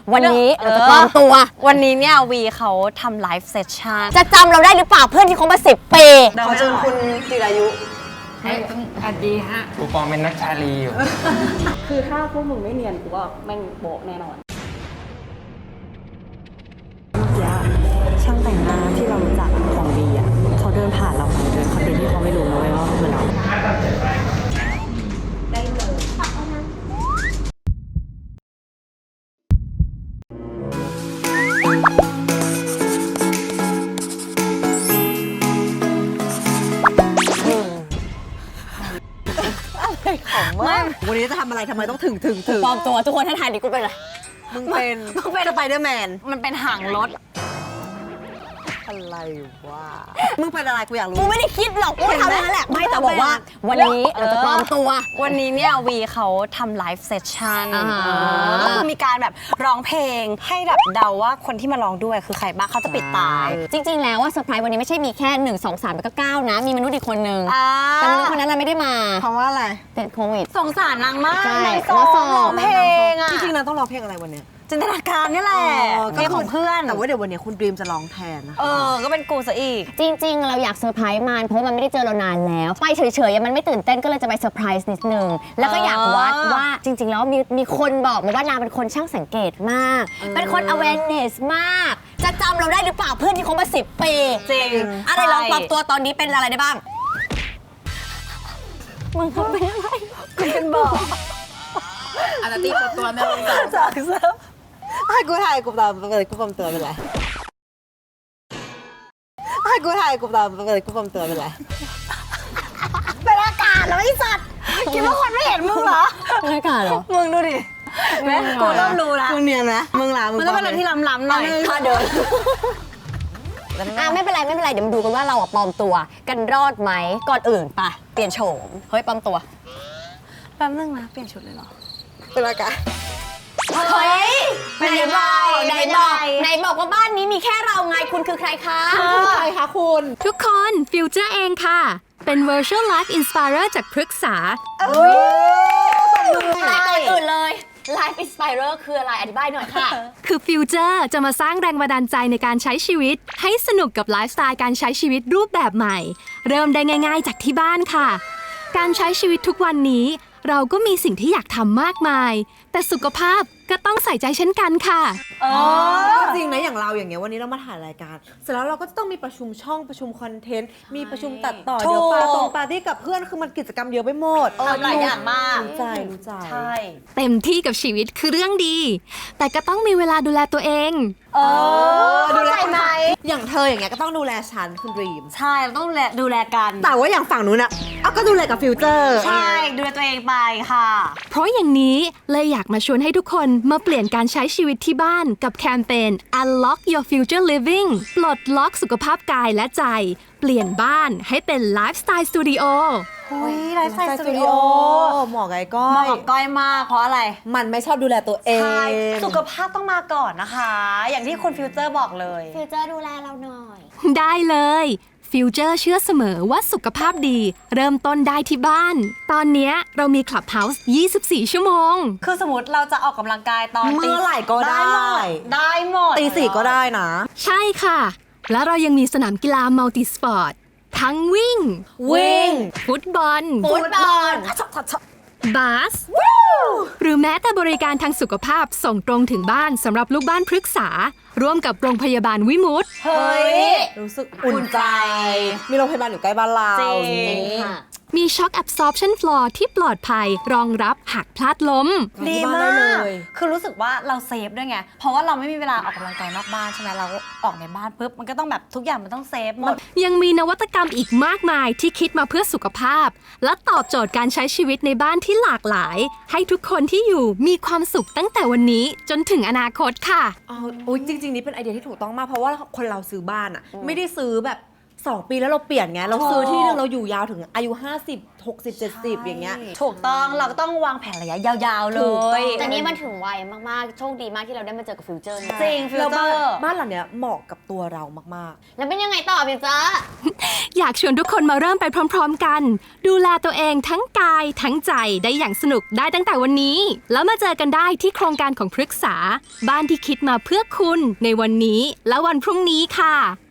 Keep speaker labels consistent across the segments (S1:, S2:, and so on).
S1: วันนี้เราจะปลอมตัว
S2: วันนี้เนี่ยวีเขาทำไลฟ์เซสชั่น
S1: จะจำเราได้หรือเปล่าเพื่อนที่เขามา10 ปี
S3: ขอเชิญคุณจิรายุ
S4: สวัสดีฮะกูปองเป็นนักชาลีอยู่
S5: คือถ้าพวกมึงไม่เนียนกูว่าแม่งโบะแน่นอน
S3: ช่างแต่งหน้าที่เรารู้จักของดีอ่ะเขาเดินผ่านเราไปโดยเขาโดยที่เขาไม่รู้นะเว้ยว่าคือเราได้เลยวันนี้จะทำอะไรทำไมต้องถึง
S1: ปลอมตัวทุกคนให้ทายดิกูเป็นอะไร
S3: มึงเป็นสไปเดอร์แมน
S2: มันเป็นหางรถ
S3: อะไรวะมึงเป็นอะไรกูอยากรู้
S1: กูไม่ได้คิดหรอกกูทำนั่นแหละไม่แต่บอกว่าวันนี้เราจะปลอมตัว
S2: วันนี้เนี่ยวีเขาทำไลฟ์เซสชั่นก็คือมีการแบบร้องเพลงให้แบบเดาว่าคนที่มาร้องด้วยคือใครบ้างเขาจะปิดตา
S1: จริงๆแล้วว่าเซอร์ไพรส์วันนี้ไม่ใช่มีแค่1 2 3แล้วก็9นะมีมนุษย์อีกคนนึงแต่มนุษย์คนนั้นเราไม่ได้มา
S3: เพราะว่าอะไร
S1: ติดโควิด
S2: สงสารนางมาก
S1: ใช่
S2: ร้องเพลงอ่ะ
S3: จริงๆนางต้องร้องเพลงอะไรวันนี้
S2: จินตนาการนี่แหละเพลงของเพื่อน
S3: แต่ว่าเดี๋ยววันนี้คุณดรีมจะร้องแทนนะ
S2: ก็เป็นกูซะอีก
S1: จริงๆเราอยากเซอร์ไพรส์มันเพราะมันไม่ได้เจอเรานานแล้วไปเฉยๆมันไม่ตื่นเต้นก็เลยจะไปเซอร์ไพรส์นิดนึงแล้วก็อยากวัดว่าจริงๆแล้วมีคนบอกมาว่านางเป็นคนช่างสังเกตมากเป็นคน awareness มากจะจำเราได้หรือเปล่าเพื่อนที่เขามา10 ปี
S2: จริง
S1: อะไรลองปรับตัวตอนนี้เป็นอะไรได้บ้างมึงเขาเป็นอะไร
S2: คุณเป็นบอก
S4: อาร์ตี้ปรับตัวแม่ลงจาก
S3: เซิร์ฟให้กูถ่ายกูตามไปเลยกูปลอมตัวเป็นไรให้กูถ่ายกูตามไปเลยกูปลอมตัวเป็นไร
S2: เป็นอากาศเหรอไอ้สัตว์คิดว่าคนไม่เห็นมึงเหรอ
S1: เป็นอากาศเหรอ
S2: มึงดูดิแม่กูเริ่มรู้แล้ว
S3: มึงเนียนนะมึงหลามึง
S2: ต้องเป็นอะไรที่ล้ำๆหน่อย
S1: ค่าเดินไม่เป็นไรเดี๋ยวมาดูกันว่าเราปลอมตัวกันรอดไหมก่อนอื่นไปเปลี่ยนโฉมเฮ้ยปลอมตัว
S2: แป๊บนึงนะเปลี่ยนชุดเลยเหรอ
S3: เป็นอากาศ
S1: เฮ้ยไหนบอกว่าบ้านนี้มีแค่เราไงคุณคือใครคะ
S3: ใครคะคุณ
S6: ทุกคนฟิวเจอร์เองค่ะเป็น Virtual Life Inspirer จากพฤกษา
S1: แต่ก่อนอื่นเลย Life Inspirer คืออะไรอธิบายหน่อยค่ะ
S6: คือฟิวเจอร์จะมาสร้างแรงบันดาลใจในการใช้ชีวิตให้สนุกกับไลฟ์สไตล์การใช้ชีวิตรูปแบบใหม่เริ่มได้ง่ายๆจากที่บ้านค่ะการใช้ชีวิตทุกวันนี้เราก็มีสิ่งที่อยากทำมากมายแต่สุขภาพก็ต้องใส่ใจเช่นกันค่ะ
S3: จริงนะอย่างเราอย่างเงี้ยวันนี้เรามาถ่ายรายการเสร็จแล้วเราก็จะต้องมีประชุมช่องประชุมคอนเทนต์มีประชุมตัดต่อเดี๋ยวปาร์ตี้กับเพื่อนคือมันกิจกรรมเยอะไปหมด
S2: หลายอย่างมาก
S3: รู้ใจ
S2: ใช่
S6: เต็มที่กับชีวิตคือเรื่องดีแต่ก็ต้องมีเวลาดูแลตัวเอง
S2: ดูแลไหม
S3: อย่างเธออย่างเงี้ยก็ต้องดูแลฉันคุณดรีม
S2: ใช่เราต้องดูแลกัน
S3: แต่ว่าอย่างฝั่งนู้นอะก็ดูแลกับฟิวเจอร์
S2: ใช่ดูแลตัวเองไปค่ะ
S6: เพราะอย่างนี้เลยอยากมาชวนให้ทุกคนมาเปลี่ยนการใช้ชีวิตที่บ้านกับแคมเปญ Unlock Your Future Living ปลดล็อกสุขภาพกายและใจเปลี่ยนบ้านให้เป็นไลฟ์สไตล์สตูดิโอ
S2: ไลฟ์สไตล์สตูดิโอ
S3: เหมาะกับก้อย
S2: เหมาะกับก้อยมากเพราะอะไร
S3: มันไม่ชอบดูแลตัวเอง
S2: ใช่สุขภาพต้องมาก่อนนะคะอย่างที่คุณฟิวเจอร์บอกเลย
S1: ฟิวเจอร์ดูแลเราหน่อย
S6: ได้เลยฟิวเจอร์เชื่อเสมอว่าสุขภาพดีเริ่มต้นได้ที่บ้านตอนนี้เรามี Clubhouse 24 ชั่วโมง
S2: คือสมมติเราจะออกกำลังกายตอน
S3: เมื่อไหร่ก็ได้
S2: หมด
S3: ตี 4ก็ได้นะ
S6: ใช่ค่ะแล้วเรายังมีสนามกีฬามัลติสปอร์ตทั้งวิ่งฟุตบอลบาสหรือแม้แต่บริการทางสุขภาพส่งตรงถึงบ้านสำหรับลูกบ้านพฤกษาร่วมกับโรงพยาบาลวิมุตติ
S2: เฮ้ย
S3: รู้สึกอุ่นใจมีโรงพยาบาลอยู่ใกล้บ้านเรา
S2: จริง
S6: มี Shock Absorption Floor ที่ปลอดภัยรองรับหากพลาดล้ม
S2: ดีมากคือรู้สึกว่าเราเซฟด้วยไงเพราะว่าเราไม่มีเวลาออกกำลังกายนอกบ้านใช่ไหมเราออกในบ้านปุ๊บมันก็ต้องแบบทุกอย่างมันต้องเซฟหมด
S6: ยังมีนวัตกรรมอีกมากมายที่คิดมาเพื่อสุขภาพและตอบโจทย์การใช้ชีวิตในบ้านที่หลากหลายให้ทุกคนที่อยู่มีความสุขตั้งแต่วันนี้จนถึงอนาคตค่ะ
S3: จริงๆนี่เป็นไอเดียที่ถูกต้องมากเพราะว่าคนเราซื้อบ้านอ่ะไม่ได้ซื้อแบบ 2 ปีแล้วเราเปลี่ยนไงเราซื้อที่นึงเราอยู่ยาวถึงอายุ 50 60 70 อย่างเงี้ย
S2: ถูกต้องเราก็ต้องวางแผนระยะยาวๆเล
S3: ถูกต้
S2: ย
S3: อง
S1: แต่นี่มันถึงวัยมากๆ โชคดีมากที่เราได้มาเจอกับฟิวเจอร์นะ
S2: จริงฟิล
S3: แล้ว
S2: เตอ
S3: บ้าน
S2: ร์
S3: หลังเนี้ยเหมาะกับตัวเรามาก
S1: แล้วเป็นยังไงต่อฟิวเจอร์
S6: อยากชวนทุกคนมาเริ่มไปพร้อมๆกัน ดูแลตัวเองทั้งกายทั้งใจได้อย่างสนุกได้ตั้งแต่วันนี้ แล้วมาเจอกันได้ที่โครงการของพฤกษา บ้านที่คิดมาเพื่อคุณในวันนี้และวันพรุ่งนี้ค่ะ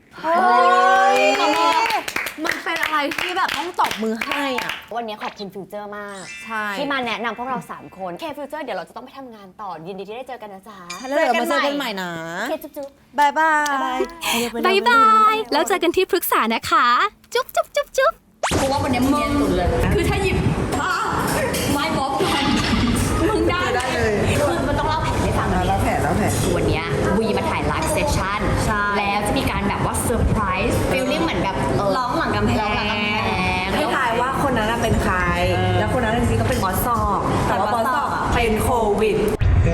S3: มันเป็นอะไรที่แบบต้องตบมือให้อ่ะ
S1: วันนี้ขอบคุณฟิวเจอร์มาก
S3: ใช่
S1: ที่มาแนะนำพวกเรา 3 คนเคฟิวเจอร์เดี๋ยวเราจะต้องไปทำงานต่อ ยินดีที่ได้เจอกันนะจ๊ะ
S3: แล้วเดี๋ยวมาเจอกันใหม่นะ
S1: เคจุ๊บ
S3: บายบาย
S6: บ๊ายบาย แล้วเจอกันที่พฤกษานะคะ จุ๊บจุ๊บจุ๊บจุ๊บ
S5: กูว่าวันนี้มึงเนียนสุดเลย คือถ้าหยิบไม้บ๊อบกันมึงได้เลย
S1: คือมันต้องเล่าแผนให้ฟังแล้วแผนวันนี้วีมาถ่ายไลฟ์เซสชั่น
S2: ใช่
S1: แล้วจะมีการแบบว่าเซอร์ไพรส์ฟีลลิ่งเหมือนแบบ
S2: ร้องหลังกำแพง
S1: ร้องหลังกำแพง
S3: ให้ทายว่าคนนั้นน่ะเป็นใคร แล้วคนนั้นจริงๆก็เป็นบอสซอกแต่ว่าบอสซอกอ่ะเป็นโควิด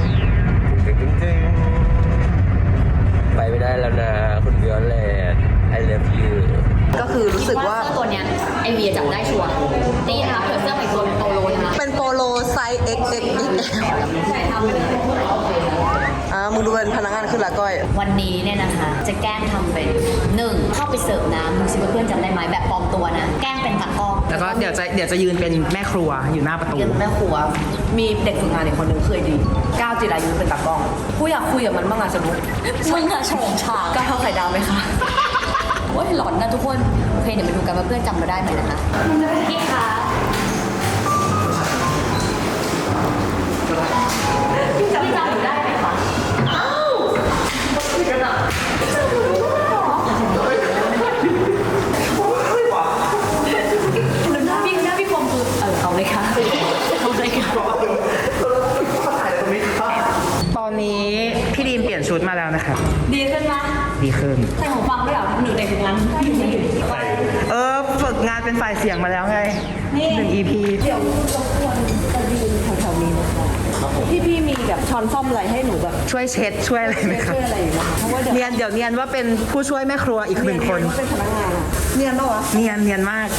S4: ไปไม่ได้แล้วนะ คุณวิโอเลต I love you
S3: ก็คือรู้สึกว่า
S1: เสื้อตัวเนี้ยไอเวียจับได้ชัวร์นี่นะคะเผื่อเสื้อใหม่ตัวเป็นโปโลนะคะ
S3: เป็นโปโลไซส์ XXXL
S1: ใช่ทำไปเลย
S3: มึงดูเป็นพนักงานขึ้นละก้อย
S1: วันนี้เนี่ยนะคะจะแกล้งทำเป็น1เข้าไปเสิร์ฟน้ำดูสิว่าเพื่อนจำได้ไหมแบบปลอมตัวนะแกล้งเป็นตากล้อง
S7: แล้วก็เดี๋ยวจะยืนเป็นแม่ครัวอยู่หน้าประตู
S8: เรียนแม่ครัว มีเด็กฝึกงานอีกคนหนึ่งเคยดีก้าวจิรายุเป็นตากล้องกูอยากคุยกับมันบ้างอะสนุก
S1: มึงอะโฉงฉาง
S8: ก้าวเท่าไข่ดาวไหมคะ
S1: ว่าหลอนนะทุกคนโอเคเดี๋ยวมาดูกันว่าเพื่อนจำเราได้ไหมนะคะพี่คะพี่จำหนูได้ไหมคะอ้าวพี่กันอะพี่คมคือเอาเลยค่ะเอาเลยค่ะ
S7: ตอนนี้พี่ดีมเปลี่ยนชุดมาแล้วนะครับ
S5: ดีขึ้นไหม
S7: ดีขึ้น
S5: ใส่หูฟังด้วยเหรอหนูในทุกวัน
S7: ฝึกงานเป็นฝ่ายเสียงมาแล้วไง1 EP
S3: เดี๋ยวรบกวนจะยืนแถวๆนี้นะคะพี่มีแบบช้อนซ่อมอะไรให้หนูแบบ
S7: ช่วยเช็ดช่วยอะไรไหมครับ
S3: ช่วยอะไรอยู่นะคะเพราะว่าเดี๋ยว
S7: เดี๋ยวเนียนว่าเป็นผู้ช่วยแม่ครัวอีก1 คน
S3: ว่าเป็นพนักงานอะเนียนปะวะ
S7: เนียนมาก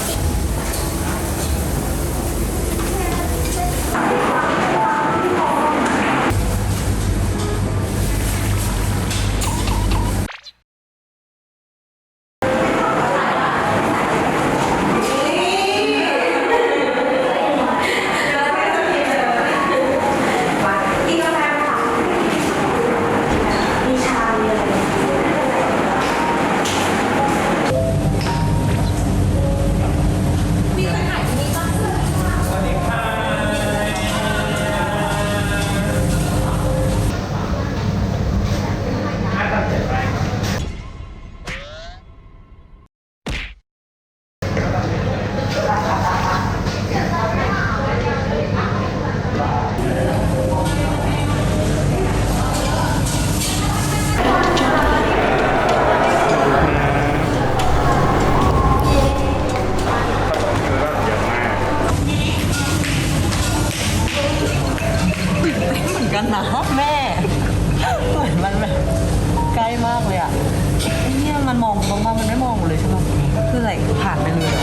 S8: เหมือนกันนะแม่เหมือนมันแบบใกล้มากเลยอ่ะไอ้เนี่ยมันมองมองมันไม่มองเลยใช่ไหมคืออะไรผ่านไปเลย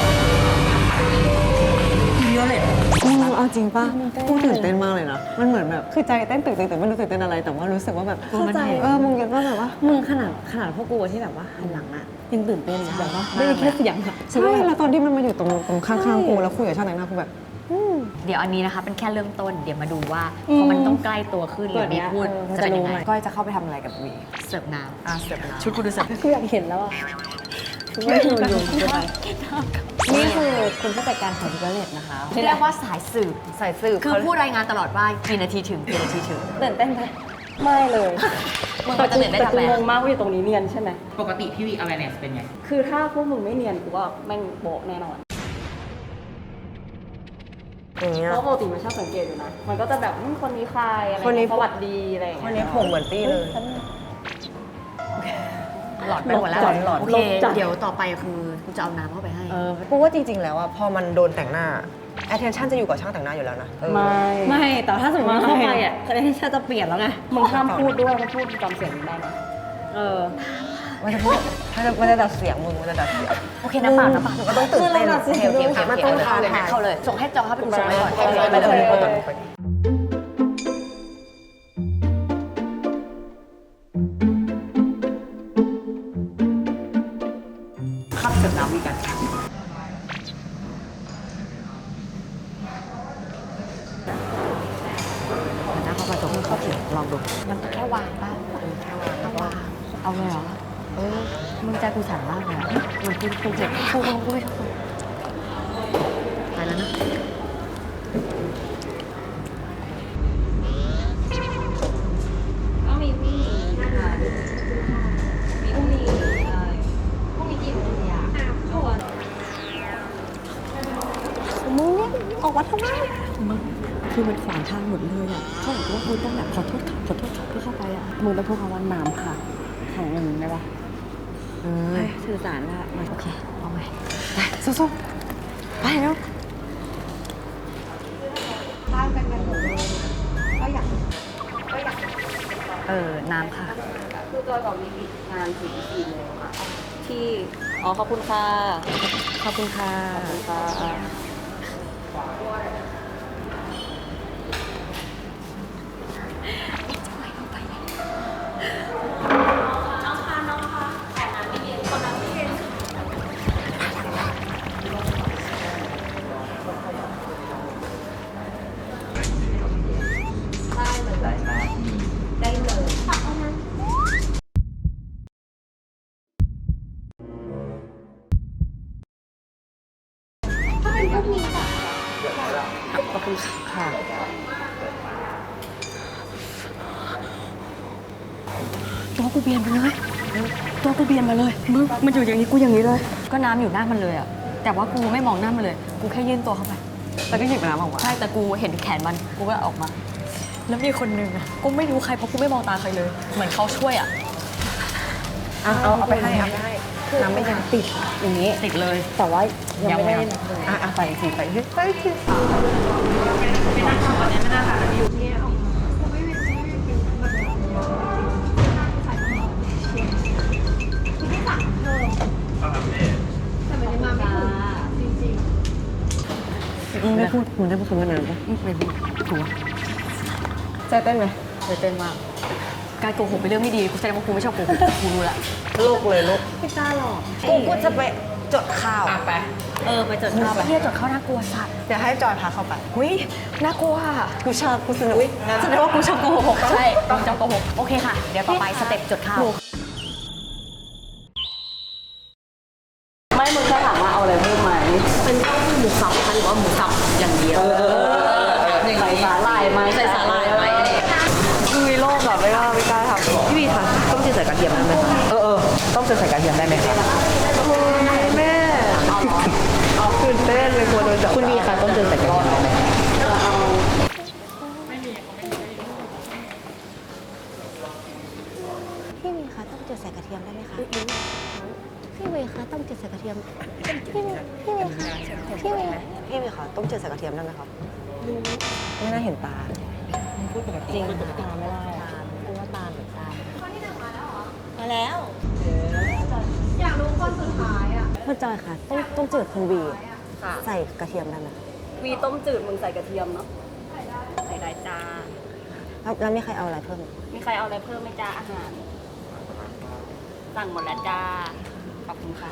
S8: วิโอเลต
S3: เอาจริงป่ะกูตื่นเต้นมากเลยนะ มันเหมือนแบบคือใจเต้นตื่นแต่ไม่รู้ตื่นเต้นอะไร แต่ว่ารู้สึกว่าแบบเข้าใจมึงยังว่าแบบว่ามึงขนาดพวกกูที่แบบว่าหันหลังอะยังตื่นเต้นนะแบบว่าไม่ได้แค่เสียงอะใช่แล้วตอนที่มันมาอยู่ตรงข้างๆกูแล้วคุยกับช่างแต่งหน้ากูแบบ
S1: เดี๋ยวอันนี้นะคะเป็นแค่เริ่มต้นเดี๋ยวมาดูว่าพอมันต้องใกล้ตัวขึ้นหรือมีพูดจะเป็นยังไง
S3: ก้อยจะเข้าไปทำอะไรกับวี
S1: เสิร์ฟน้ำ
S8: เสิร์ฟชุดกูดูเสิร์ฟ
S3: กูอยากเห็นแล้วอะไม่ดูอยู่นี่คือคุณผู้จัดการของวิโอเลตนะคะ
S1: เรียกว่าสายสืบ
S3: ใส่สืบ
S1: คือพูดรายงานตลอดว่ากี่นาทีถึงกี่นาทีถึง
S3: ตื่นเต้นไหมไม่เลย
S1: มึงมันจะตื่นได้
S5: แต่
S1: ทำ
S5: กู
S1: ไม
S5: งงมากว่าอยู่ตรงนี้เนียนใช่ไหม
S7: ปกติพี่วี awareness เป็นไง
S5: คือถ้าพวกมึงไม่เนียนกูว่าแม่งโบะแน่นอน
S3: อย่างเงี้ย
S5: เพราะปกติมันชอบสังเกตอยู่นะ มันก็จะแบบคนนี้ใครอะไร
S3: คนนี้
S5: สวัสดีอะไรอย่าง
S3: คน
S5: เงี้ย
S3: นี้ผมเหมือนตี้เลย
S1: หลอดไปหมดแล้ว
S3: หลอด
S1: โอเคเดี๋ยวต่อไปคือกูจะเอาน้ำเข้าไปให้
S3: กูว่าจริงๆแล้วอะพอมันโดนแต่งหน้า attention จะอยู่กับช่างแต่งหน้าอยู่แล้วนะ
S5: ไม่แต่ถ้าสมมติเข้าไปอ่ะ
S3: คะแนนจะเปลี่ยนแล้วไง
S5: มึงห้ามพูดด้วยเพราะพูดจำเสียงมึงได้นะ
S3: มันจะพูดมันจะดัดเสียงมึงมันจะดัดเสียง
S1: โอเคนะเปล่านะเปล่า
S3: ก็ต้องตื่นเต้น
S1: โอเคโอเคโอเค
S3: มันต้อง
S1: เข้าเลย
S3: ท้าทาย
S1: เข้าเลยส่งให้จองเข้าไปส่งไปก่อน
S3: ไปเลย
S8: ขับเสร็จน้ำมีกัน
S3: นะเขาผสมเข้าถึงลองดู
S1: มันแค่วางป่ะแค่วางต้องวาง
S3: เอาเลยเหรอมึงใจกูสั่นมากเลยอะมันกูเจ็บกูไม่ชอบไปแล้วนะ
S5: ก็มีพรุ่งนี้นะคะมีพรุ่งนี้พรุ่งนี้กี่โมงเนี่ยทุกคน
S3: คือมันขวางทางหมดเลยอ่ะเขาบอกว่าคุณต้องแบบขอโทษค่ะเพื่อเข้าไปอ่ะมึงต้องพูดคำว่าน้ำค่ะแข่งอย่างนี้ได้ปะสื่อสารว่ามันโอเคเอาไปสู้ๆไปแล้ว
S1: น้ำค่ะ
S5: คือจอยบอกมีงานถึง4 โมงค่ะที่อ๋อขอบคุณค่ะ
S3: ขอบคุณค่ะ ขอบคุณค่ะตัวกูเบียนไปเลยตัวกูเบียนมาเลยมึงมันอยู่อย่างนี้กูอย่างนี้เลย
S1: ก็น้ำอยู่หน้ามันเลยอ่ะแต่ว่ากูไม่มองหน้ามันเลย กูแค่ยื่นตัวเข้าไป
S3: แล้วก็หยิบน้ำออกมา
S1: ใช่แต่กูเห็นแขนมันกูก็ออกมา แล้วมีคนนึงอ่ะกูไม่รู้ใครเพราะกูไม่มองตาใครเลย เหมือนเขาช่วยอ่ะ
S3: เอาไปให้น้ำไม่ยังติดอย่างนี้
S1: ติดเลย
S3: แต่ว่ายังไม่ได้
S1: ยัง
S3: ใส่สิไปสิ มึงได้พูดคำว่าน้ำปะไม่พูดถูกใจเต้นไหม
S1: เลยเต้นมากการโกหกเป็นเรื่องไม่ดีกูแสดงว่ากูไม่ชอบโกหกกูรู้ละ
S3: โลกเลยโลกไม่กล้าหรอกกูจะไปจดข่าว
S8: ไป
S1: ไปจดข้าวเที่ยวจดข้าวน่ากลัวสัตว์
S3: เดี๋ยวให้จอยพาเข้าไป
S1: หุ้ยน่ากลัวอะ
S3: กูชอบกูสนุกแสดงว่ากูชอบโกหก
S1: ใช่ต้องจำโกหกโอเคค่ะ เดี๋ยวต่อไปสเต็ปจดข้าว
S8: ไม่มึงแค่ถามว่าเอาอะไรเพิ่มไหม
S1: เป็นเต้าหู้หมูสับหรือว่าหมูสับอย่างเดียว
S8: ใส่สาหร่ายไหม
S1: ใส่สาหร่ายไหม
S3: คือโลกแบบไม่กล้าทำพี่วีคะต้มจืดใส่กระเทียมได้ไหมคะ
S7: ต้องจะใส่กระเทียมได้ไหมครับ
S3: แม่ตื่นเต้นเลยกลัวโดนจับ
S7: คุณบีคะต้องจะใส่กระเทียมได้ไหมครับ
S3: พี่วีคะต้มจืดใส่กระเทียมได้ไหมคะพี่วีคะต้มจืดใส่กระเทียมพี่วีคะพี่วีคะต้มจืดใส่กระเทียมได้ไหมครับไม่น่าเห็นตาพูดแบบจริงตาไม่ได้กูว่าตาหรือตา
S2: มาแล้ว
S3: คุณจอยค่ะต้มจืดคุณวีใส่กระเทียมได้ไหม
S2: วีต้มจืดมึงใส่กระเทียมเนาะใส่ได้จ้า
S3: แล้วมีใครเอาอะไรเพิ่ม
S2: มีใครเอาอะไรเพิ่มไหมจ้าอาหาร สั่งหมดแล้วจ้า ขอบคุณค่ะ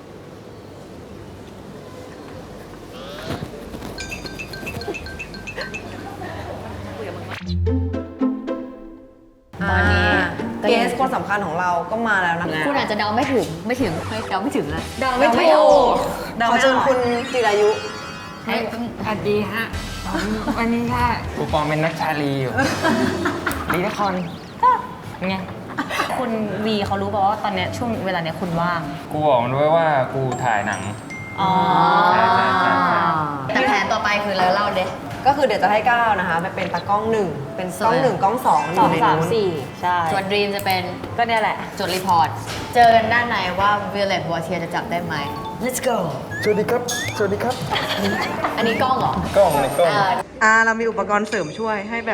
S1: ตอนนี้
S3: เกสคนสำคัญของเราก็มาแล้วนะ
S1: คุณอาจจะเดาไม่ถึงเดาไม่ถึงอะ
S3: เดาไม่ถูกขอเชิญคุณจิรายุ
S7: สวัสดีฮะ วันนี้ค่ะกูปองเป็นนักชาลีอยู่ ดีนครไง
S2: คุณวีเขารู้ป่าวว่าตอนเนี้ยช่วงเวลาเนี้ยคุณว่าง
S9: กูบอกมันด้วยว่ากูถ่ายหนัง
S2: อ๋อ
S9: ใช่
S1: แต่แผนต่อไปคืออะไรเล่าเด้
S3: ก็คือเดี๋ยวจะให้ก้าวนะคะไปเป็นตากล้องหนึ่งเป็นกล้องหนึ่งกล้องสองอยู่ในนู้น
S2: ใช่
S1: ส่วนดรีมจะเป็น
S2: ก็เนี่ยแหละ
S1: จดรีพอร์ต เจอกันด้านในว่าวิลเลตวอเทียจะจับได้ไหม Let's go
S9: สวัสดีครับ สวัสดีครับ
S1: อันนี้กล้องเหรอ
S9: กล้องในกล้อง
S3: เรามีอุปกรณ์เสริมช่วยให้แบบ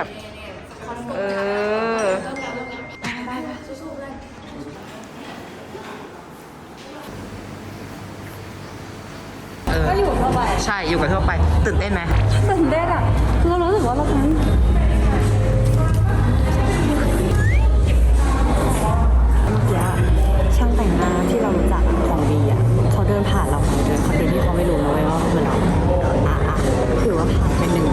S8: ทั่วไป
S7: ใช่อยู่กับทั่วไปตื่นเต้นไหม
S8: ตื่นเต้นอ่ะคือเรารู้สึกว่าเราทำช่างแต่งหน้าที่เรารู้จักของดีอ่ะเขาเดินผ่านเราเดินเขาเป็นที่เขาไม่รู้นะเว้ยว่าคือเราถือว่าผ่านเป็นหนึ่ง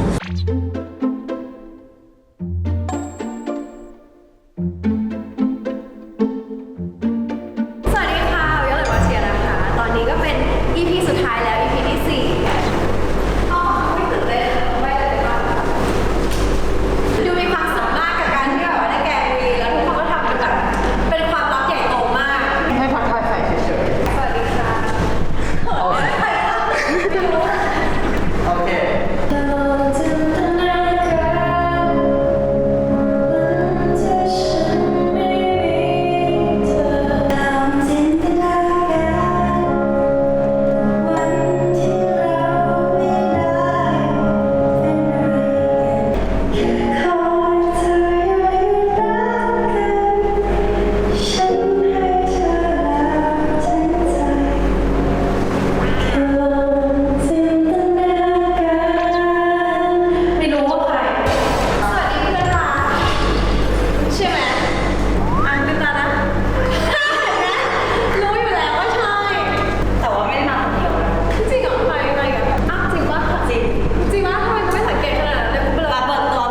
S6: สวัสดีค่ะวิโอเลตวาเชียนะคะ ตอนนี้ก็เป็น EP สุดท้ายแล้ว EP ที่4อ๋อไม่ตื่นเต้นไม่เลยว่าดูมีความสุขมากกับการที่แบบว่าได้แกงวีแล้วทุกคนก็ทำเป็นแบบเป็นความลับใหญ่โตมาก
S7: ให้พักทายใส่เฉย
S6: สวัสดีค่ะ
S7: ๆโอเค
S6: ไม่รู้ว่าใคร สวัสดีเพื่อนรักใช่ไหมอ่านเป็นตานะ รู้อยู่แล้วว่าใช่
S2: แต่ว่าไม่ได้มาคนเดียวนะ
S6: จริงเหรอใครกันอ้าวจริงปะจริงจริงปะทำไมกูไม่สังเกตขนาดนั้นเลยกูเป็น
S2: มาเปิดตัว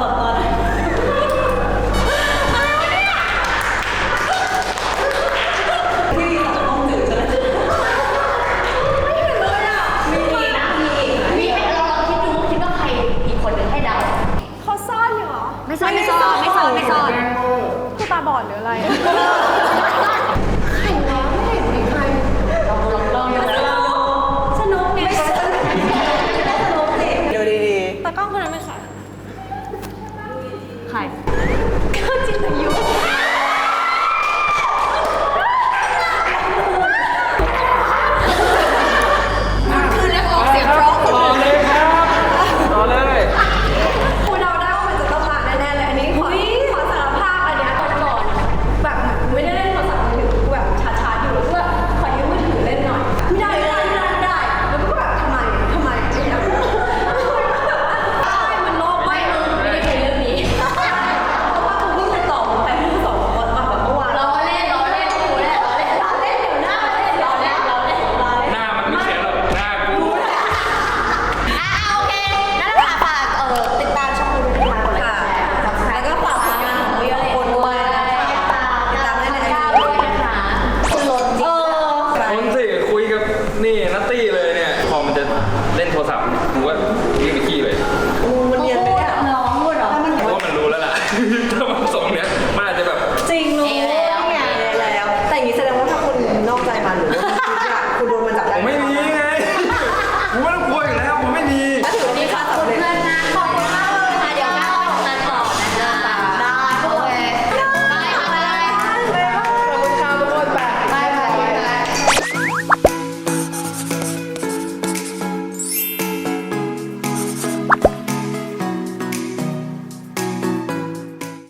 S1: มีให้เราคิดว่าใครอีกคนหนึ่งให้เดา
S6: เขาซ่อนอยู่เหรอ
S1: ไม่ซ่อน
S6: คือตาบอดหรืออะไร